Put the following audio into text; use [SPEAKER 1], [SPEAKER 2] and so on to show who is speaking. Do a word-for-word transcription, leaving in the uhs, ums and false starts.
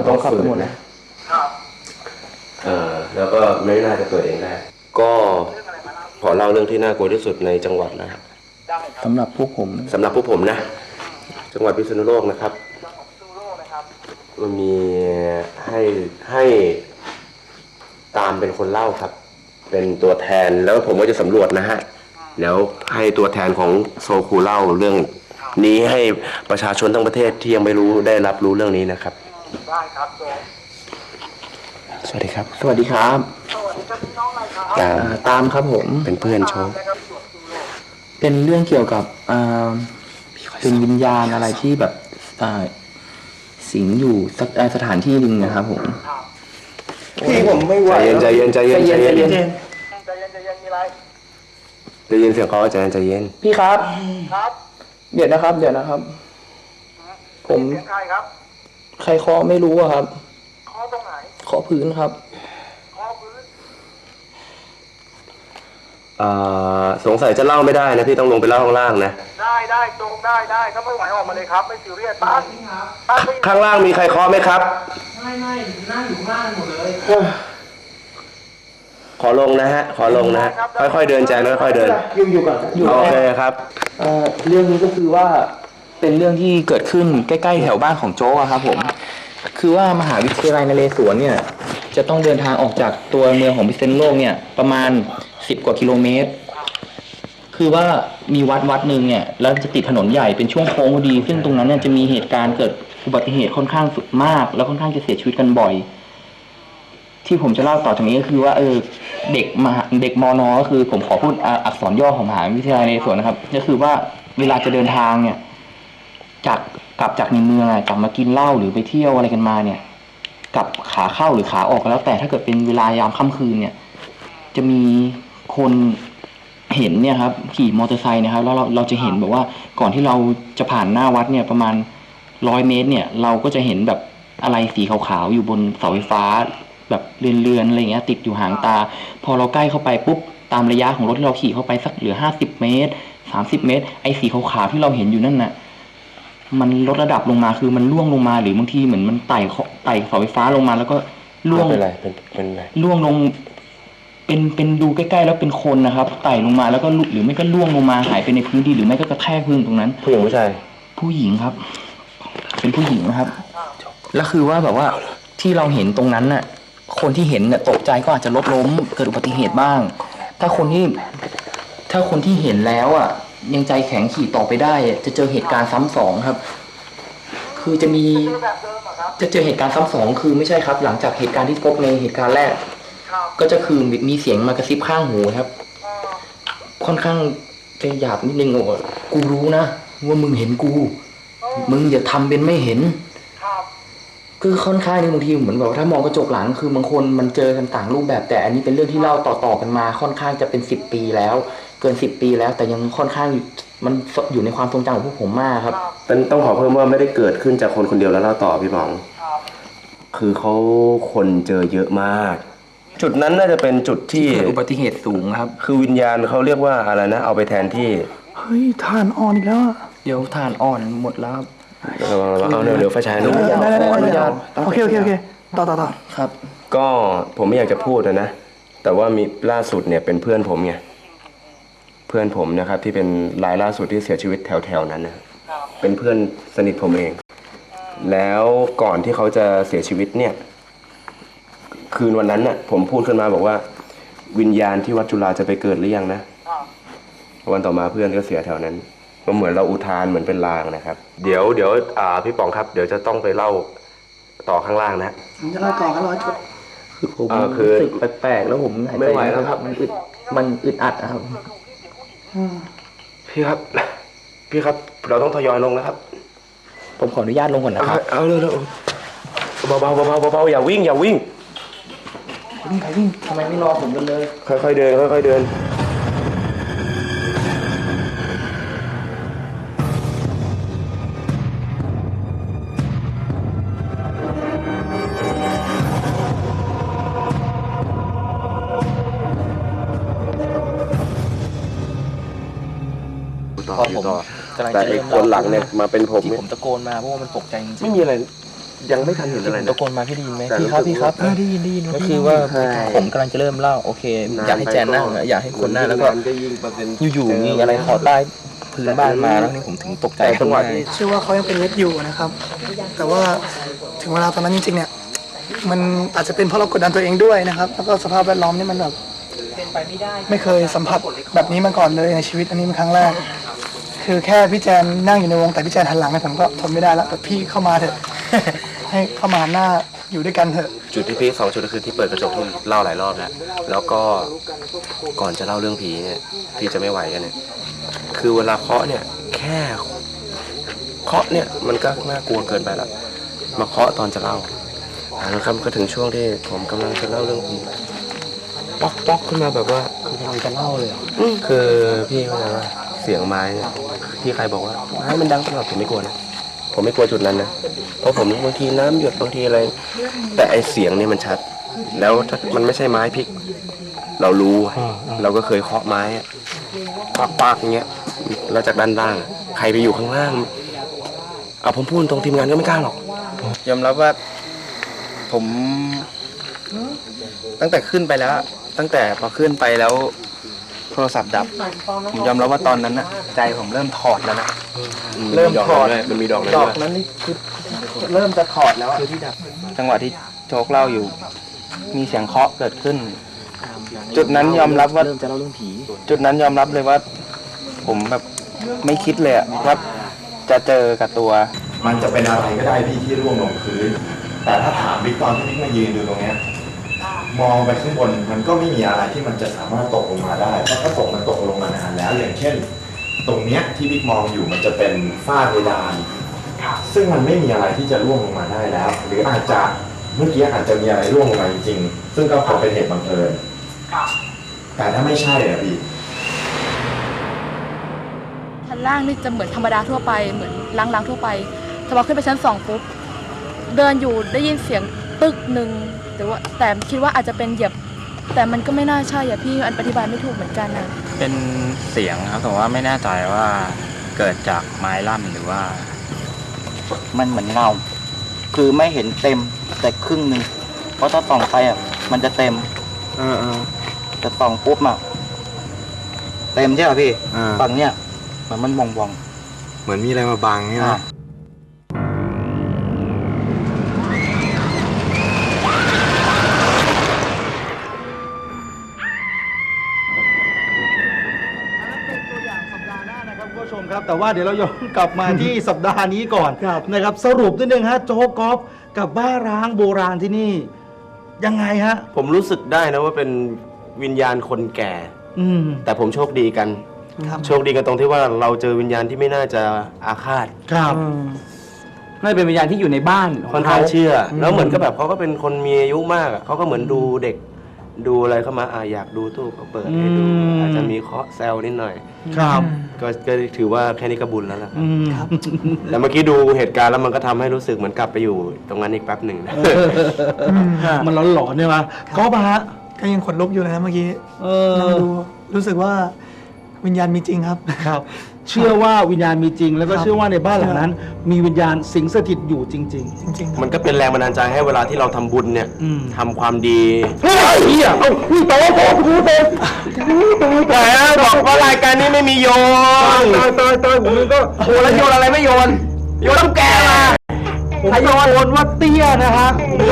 [SPEAKER 1] ต้องขับหมดนะเออแล้วก็ไม่น่าจะเกิดเองได้ก็ขอเล่าเรื่องที่น่ากลัวที่สุดในจังหวัดนะครับ
[SPEAKER 2] สำหรับพวกผม
[SPEAKER 1] สำหรับพวกผมนะจังหวัดพิษณุโลกนะครับมันมีให้ให้ตามเป็นคนเล่าครับเป็นตัวแทนแล้วผมก็จะสำรวจนะฮะแล้วให้ตัวแทนของโซคูเล่าเรื่องนี้ให้ประชาชนทั้งประเทศที่ยังไม่รู้ได้รับรู้เรื่องนี้นะครับได้ครับสวัสดีครับ
[SPEAKER 2] สวัสดีครับ
[SPEAKER 3] สวัสดีครับพี่น้องอะไรครับ
[SPEAKER 2] ตามตามครับผม
[SPEAKER 1] เป็นเพื่อนโชว์
[SPEAKER 2] เป็นเรื่องเกี่ยวกับเป็นวิญญาณอะไรที่แบบสิงอยู่สักสถานที่หนึ่งนะครับผม
[SPEAKER 3] พี่ผมไม่ไหว
[SPEAKER 1] ใจเย็นใจเย็นใจเย็นใจเย็น
[SPEAKER 3] ใจเย็นใจเย็นใจเย็นมีอะไร
[SPEAKER 1] ใจเย็นเสียงเขาใจเย็นใจเย็น
[SPEAKER 2] พี่ครับ
[SPEAKER 3] ครับ
[SPEAKER 2] เดี๋ยวนะครับเดี๋ยวนะครับผม
[SPEAKER 3] เสียงใครครับ
[SPEAKER 2] ใครเคาะไม่รู้อะครับ
[SPEAKER 3] เคาะตรงไหน
[SPEAKER 2] เคาะพื้นครับ
[SPEAKER 3] เคาะพื้น
[SPEAKER 1] อ่าสงสัยจะเล่าไม่ได้นะพี่ต้องลงไปเล่าข้างล่างนะ
[SPEAKER 3] ได้ได้ตรงได้ได้ถ้าไม่ไหวออกมาเลยครับไม่ซีเรียสบ้าน
[SPEAKER 1] บ้านข้างล่างมีใครเคาะไหมครับ
[SPEAKER 3] ไม่ไม่นั่งอยู่ข้างล่างหมดเลย
[SPEAKER 1] ขอลงนะฮะขอลงนะค่อยๆเดินใจค่อยๆเดิน
[SPEAKER 2] อยู่อยู่ก่อน
[SPEAKER 1] อยู่โอเคครับ
[SPEAKER 2] เรื่องนี้ก็คือว่าเป็นเรื่องที่เกิดขึ้นใกล้ๆแถวบ้านของโจ๊กครับผมคือว่ามหาวิทยาลัยนเรศวรเนี่ยจะต้องเดินทางออกจากตัวเมืองของพิษณุโลกเนี่ยประมาณสิบกว่ากิโลเมตรคือว่ามีวัดวัดหนึ่งเนี่ยแล้วจะติดถนนใหญ่เป็นช่วงโค้งพอดีซึ่งตรงนั้นเนี่ยจะมีเหตุการณ์เกิดอุบัติเหตุค่อนข้างสุดมากแล้วค่อนข้างจะเสียชีวิตกันบ่อยที่ผมจะเล่าต่อจากนี้ก็คือว่าเออเด็กมหาเด็กมน.ก็คือผมขอพูดอักษรย่อของมหาวิทยาลัยนเรศวรนะครับก็คือว่าเวลาจะเดินทางเนี่ยจากกลับจากในเมืองกลับมากินเหล้าหรือไปเที่ยวอะไรกันมาเนี่ยกลับขาเข้าหรือขาออกแล้วแต่ถ้าเกิดเป็นเวลายามค่ำคืนเนี่ยจะมีคนเห็นเนี่ยครับขี่มอเตอร์ไซค์นะครับแล้วเราเราจะเห็นแบบว่าก่อนที่เราจะผ่านหน้าวัดเนี่ยประมาณร้อยเมตรเนี่ยเราก็จะเห็นแบบอะไรสีขาวๆอยู่บนเสาไฟฟ้าแบบเรือนๆอะไรเงี้ยติดอยู่ห่างตาพอเราใกล้เข้าไปปุ๊บตามระยะของรถที่เราขี่เข้าไปสักเหลือห้าสิบเมตรสามสิบเมตรไอ้สีขาวๆที่เราเห็นอยู่นั่นน่ะมันลดระดับลงมาคือมันล่วงลงมาหรือบางทีเหมือนมันไต่ไต่เสาไฟฟ้าลงมาแล้วก็ล่วง
[SPEAKER 1] เป็นไรเป็นเป็นไร
[SPEAKER 2] ล่วงลงเป็นเป็นดูใกล้ๆแล้วเป็นคนนะครับไต่ลงมาแล้วก็หรือไม่ก็ล่วงลงมาหายไปในพื้นดินหรือไม่ก็กระแทกพื้นตรงนั้น
[SPEAKER 1] ผู้หญิงผู้ชาย
[SPEAKER 2] ผู้หญิงครับเป็นผู้หญิงนะครับแล้วคือว่าแบบว่าที่เราเห็นตรงนั้นน่ะคนที่เห็นเนี่ยตกใจก็อาจจะรถล้มเกิดอุบัติเหตุบ้างถ้าคนที่ถ้าคนที่เห็นแล้วอ่ะยังใจแข็งขี่ต่อไปได้จะเจอเหตุการณ์ซ้ำสองครับคือจะมีจะเจอเหตุการณ์ซ้ำสองคือไม่ใช่ครับหลังจากเหตุการณ์ที่พบในเหตุการณ์แรกก็จะคือมีเสียงมากระซิบข้างหูครับค่อนข้างจะหยาบนิดนึงโอ้กูรู้นะว่ามึงเห็นกูมึงอย่าทำเป็นไม่เห็นคือค่อนข้างนี่บางทีเหมือนแบบถ้ามองกระจกหลังคือบางคนมันเจอกันต่างรูปแบบแต่อันนี้เป็นเรื่องที่เล่าต่อๆกันมาค่อนข้างจะเป็นสิบปีแล้วเกินสิบปีแล้วแต่ยังค่อนข้างมันอยู่ในความทรงจำของพวกผมมากครับ
[SPEAKER 1] เป็นต้องขอเพิ่มว่าไม่ได้เกิดขึ้นจากคนคนเดียวแล้วเล่าต่อพี่หมองคือเขาคนเจอเยอะมากจุดนั้นน่าจะเป็นจุดที่
[SPEAKER 2] อุบัติเหตุสูงครับ
[SPEAKER 1] คือวิญญาณเขาเรียกว่าอะไรนะเอาไปแทนที่
[SPEAKER 2] เฮ้ยถ่านอ่อนอีกแล้วเดี๋ยวถ่านอ่อนหมดแล้ว
[SPEAKER 1] เอาเร็วๆไฟฉายหน่อย
[SPEAKER 2] อนุญาต
[SPEAKER 3] โอเคโอเคโอเคต่อต่อต่อ
[SPEAKER 2] ครับ
[SPEAKER 1] ก็ผมไม่อยากจะพูดนะแต่ว่ามีล่าสุดเนี่ยเป็นเพื่อนผมไงเพื่อนผมนะครับที่เป็นรายล่าสุดที่เสียชีวิตแถวๆนั้นนะเป็นเพื่อนสนิทผมเองแล้วก่อนที่เขาจะเสียชีวิตเนี่ยคืนวันนั้นน่ะผมพูดขึ้นมาบอกว่าวิญญาณที่วัดจุฬาจะไปเกิดหรือยังนะวันต่อมาเพื่อนก็เสียแถวนั้นก็เหมือนเราอุทานเหมือนเป็นลางนะครับเดี๋ยวเดี๋ยวอ่าพี่ป๋องครับเดี๋ยวจะต้องไปเล่าต่อข้างล่างนะ
[SPEAKER 3] ผมจะเล่าต่อกันร้อยจุด
[SPEAKER 2] คือผมรู้สึกแปลกๆแล้วผม
[SPEAKER 1] ไม่ไหวแล้วครับ
[SPEAKER 2] มันอึดมันอึดอัดครับ
[SPEAKER 1] พี่ครับพี่ครับเราต้องทยอยลงแล้วครับ
[SPEAKER 2] ผมขออนุญาตลงก่อนนะครับ
[SPEAKER 1] เอาเลยเบาๆเบาๆเบาๆอย่าวิ่งอย่าวิ่ง
[SPEAKER 2] วิ่งใครวิ่งทำไมไม่รอผมกันเลย
[SPEAKER 1] ค่อยๆเดินค่อยๆเดิน
[SPEAKER 2] พอผม
[SPEAKER 1] แต่ไอ้คนหลังเนี่ยมาเป็นผม
[SPEAKER 2] ที่ผมตะโกนมาเพราะว่ามันตกใจจริง
[SPEAKER 1] ไม่มีอะไรยังไม่ทันเห็นอะไร
[SPEAKER 2] ตะ
[SPEAKER 1] นะ
[SPEAKER 2] โกนมาพี่ได้ยินไหม
[SPEAKER 1] แต่
[SPEAKER 2] พี่ครับ
[SPEAKER 1] รู้สึก
[SPEAKER 2] พี่ครับ
[SPEAKER 1] ว่า
[SPEAKER 4] ได้ยินได้ยิน
[SPEAKER 2] ก็คือว่า
[SPEAKER 1] ใช่
[SPEAKER 2] ผมกำลังจะเริ่มเล่าโอเค อยากให้แจนนั่งอะอยากให้คนนั่งแล้วก็ อยู่ๆมีอะไรขอใต้พื้นบ้านมาแล้วนี่ผมถึงตกใจ
[SPEAKER 1] แต่จังหวะ
[SPEAKER 2] ขึ้น
[SPEAKER 1] ที่
[SPEAKER 2] มา
[SPEAKER 4] เชื่อว่าเขายังเป็นเล็กอยู่นะครับ แต่ว่าถึงเวลาตอนนั้นจริงๆเนี่ยมันอาจจะเป็นเพราะเรากดดันตัวเองด้วยนะครับ แล้วก็สภาพแวดล้อมนี่มันแบบไม่เคยสัมผัสแบบนี้มาก่อนเลยในชีวิตอันนี้เป็นครั้งแรก คือแค่พี่แจนนั่งอยู่ในวงแต่พี่แจนหันหลังเนี่ยผมก็ทนไม่ได้แล้วแบบพี่เข้ามาเถอะ ให้เข้ามาหันหน้าอยู่ด้วยกันเถอะ
[SPEAKER 1] จุดที่พีคสองจุดก็คือที่เปิดกระจกที่เล่าหลายรอบแล้วแล้วก็ก่อนจะเล่าเรื่องผีเนี่ยพี่จะไม่ไหวกันเนี่ยคือเวลาเคาะเนี่ยแค่เคาะเนี่ยมันก็น่ากลัวเกินไปแล้วมาเคาะตอนจะเล่าอ่านะครับก็ถึงช่วงที่ผมกำลังจะเล่าเรื่องผีป๊อกป๊อกขึ้นมาแบบว่าคือกำลังจะเล่าเลยเหรอคือพี่เข้าใจว่าเสียงไม้เนี่ยที่ใครบอกว่าไม้มันดังตลอดผมไม่กลัวนะผมไม่กลัวจุดนั้นนะเพราะผมบางทีน้ำหยดบางทีอะไร แต่ไอเสียงเนี่ยมันชัด แล้วถ้ามันไม่ใช่ไม้พลิก เรารู้อะเราก็เคยเคาะไม้อะปากๆอย่างเงี้ยแล้วจากด้านล่างใครไปอยู่ข้างล่างเอาผมพูดตรงทีมงานก็ไม่กล้าหรอกยอมรับว่าผม ตั้งแต่ขึ้นไปแล้ว ตั้งแต่พอขึ้นไปแล้ว โทรศัพท์ดับ ผมยอมรับว่าตอนนั้นนะใจผมเริ่มถอดแล้วนะเริ่มถอดมันมีดอกนั้น
[SPEAKER 2] ด
[SPEAKER 1] ด้
[SPEAKER 2] อ
[SPEAKER 1] ว
[SPEAKER 2] ก
[SPEAKER 1] ย
[SPEAKER 2] นั้นนี่คือเริ่มจะถอดแล้วคือที่ดับจังหวะที่โจ๊กเล่าอยู่ มีเสียงเคาะเกิดขึ้น จุดนั้นยอมรับว่า
[SPEAKER 5] เริ่มจะเล่าเรื่องผี
[SPEAKER 2] จุดนั้นยอมรับเลยว่า ผมแบบไม่คิดเลยอะว่าจะเจอกับตัว
[SPEAKER 6] มันจะเป็นอะไรก็ได้พี่ที่ร่วงลงพื้น แต่ถ้าถามบิ๊กตอนที่บิ๊กมายืนดูตรงเนี้ยมองไปข้างบนมันก็ไม่มีอะไรที่มันจะสามารถตกลงมาได้ เพราะถ้าตกมันตกลงมานานแล้ว อย่างเช่น ตรงเนี้ยที่บิ๊กมองอยู่มันจะเป็นฝ้าเพดาน ซึ่งมันไม่มีอะไรที่จะร่วงลงมาได้แล้ว หรืออาจจะเมื่อกี้อาจจะมีอะไรร่วงลงมาจริงๆ ซึ่งก็คงเป็นเหตุบังเอิญ แต่ถ้าไม่ใช่อะพี่
[SPEAKER 7] ชั้นล่างนี่จะเหมือนธรรมดาทั่วไปเหมือนล้างๆทั่วไปแต่พอขึ้นไปชั้นสองปุ๊บเดินอยู่ได้ยินเสียงตึกหนึ่งแต่ว่าแต่คิดว่าอาจจะเป็นเหยียบแต่มันก็ไม่น่าใช่อ่ะพี่อันอธิบายไม่ถูกเหมือนกันนะ
[SPEAKER 5] เป็นเสียงครับแต่ว่าไม่แน่ใจว่าเกิดจากไม้ลั่นหรือว่า
[SPEAKER 2] มันเหมือนเงา คือไม่เห็นเต็มแต่ครึ่งหนึ่งเพราะถ้าส่องไปอ่ะมันจะเต็มแต่ส่องปุ๊บอ่ะเต็มใช่ป่ะพี่ฝั่งเนี้ยเหมือนมันวองวอง
[SPEAKER 6] เหมือนมีอะไรมาบังนี่
[SPEAKER 2] ๆอ่ะ
[SPEAKER 6] นะ
[SPEAKER 8] เป็นตัวอย่างสัปดาห์หน้านะครับคุณผู้ชมครับ แต่ว่าเดี๋ยวเราย้อนกลับมาที่ สัปดาห์นี้ก่อนนะครับสรุปนิดนึงฮะโจ๊กกอล์ฟกับบ้านร้างโบราณที่นี่ ยังไงฮะ
[SPEAKER 1] ผมรู้สึกได้นะว่าเป็นวิญญาณคนแก่
[SPEAKER 8] อืม
[SPEAKER 1] แต่ผมโชคดีกัน
[SPEAKER 4] ครับ
[SPEAKER 1] โชคดีกันตรงที่ว่าเราเจอวิญญาณที่ไม่น่าจะอาฆาต
[SPEAKER 8] ครับ
[SPEAKER 5] น่าจะเป็นวิญญาณที่อยู่ในบ้าน
[SPEAKER 1] ค่อนข้างเชื่อ แล้วเหมือนกับแบบเขาก็เป็นคนมีอายุมากอะเขาก็เหมือนดูเด็ก ดูอะไรเข้ามาอ่ะอยากดูตู้ก็เปิดให้ดู
[SPEAKER 8] อืม
[SPEAKER 1] อาจจะมีเคาะแซวนิดหน่อย
[SPEAKER 8] ครับ
[SPEAKER 1] ก็ก็ถือว่าแค่นี้ก็บุญแล้วล่ะครับ
[SPEAKER 8] อืม
[SPEAKER 1] แต่เมื่อกี้ดูเหตุการณ์แล้วมันก็ทำให้รู้สึกเหมือนกลับไปอยู่ตรงนั้นอีกแป๊บหนึ่งนะ
[SPEAKER 8] มันหลอนๆเนี่ยมาก็มาฮะ
[SPEAKER 4] ก็ยังขนลุกอยู่เลยนะเมื่อกี้
[SPEAKER 8] เอ
[SPEAKER 4] นั่ง
[SPEAKER 8] อ
[SPEAKER 4] ดูรู้สึกว่าวิญญาณมีจริงครับ
[SPEAKER 8] ครับ เชื่อว่าวิญญาณมีจริง แล้วก็
[SPEAKER 4] ครับ
[SPEAKER 8] เชื่อว่าในบ้านหลังนั้น มีวิญญาณสิงสถิตอยู่จริง
[SPEAKER 4] จริงๆครับ
[SPEAKER 1] มันก็เป็นแรงบันดาลใจให้เวลาที่เราทำบุญเนี่ย
[SPEAKER 8] อืม
[SPEAKER 1] ทำความดี
[SPEAKER 8] ๆเฮ้ยเฮียเอ้าพี่โตโตกูโต
[SPEAKER 1] แต่บอกว่ารายการนี้ไม่มีโยน
[SPEAKER 8] ตายตายตายผมก็
[SPEAKER 1] โอ้แล้วโยนอะไรไม่โยน โยนตุ๊กแกมา
[SPEAKER 8] ผมโยนว่าเตี้ยนะฮะ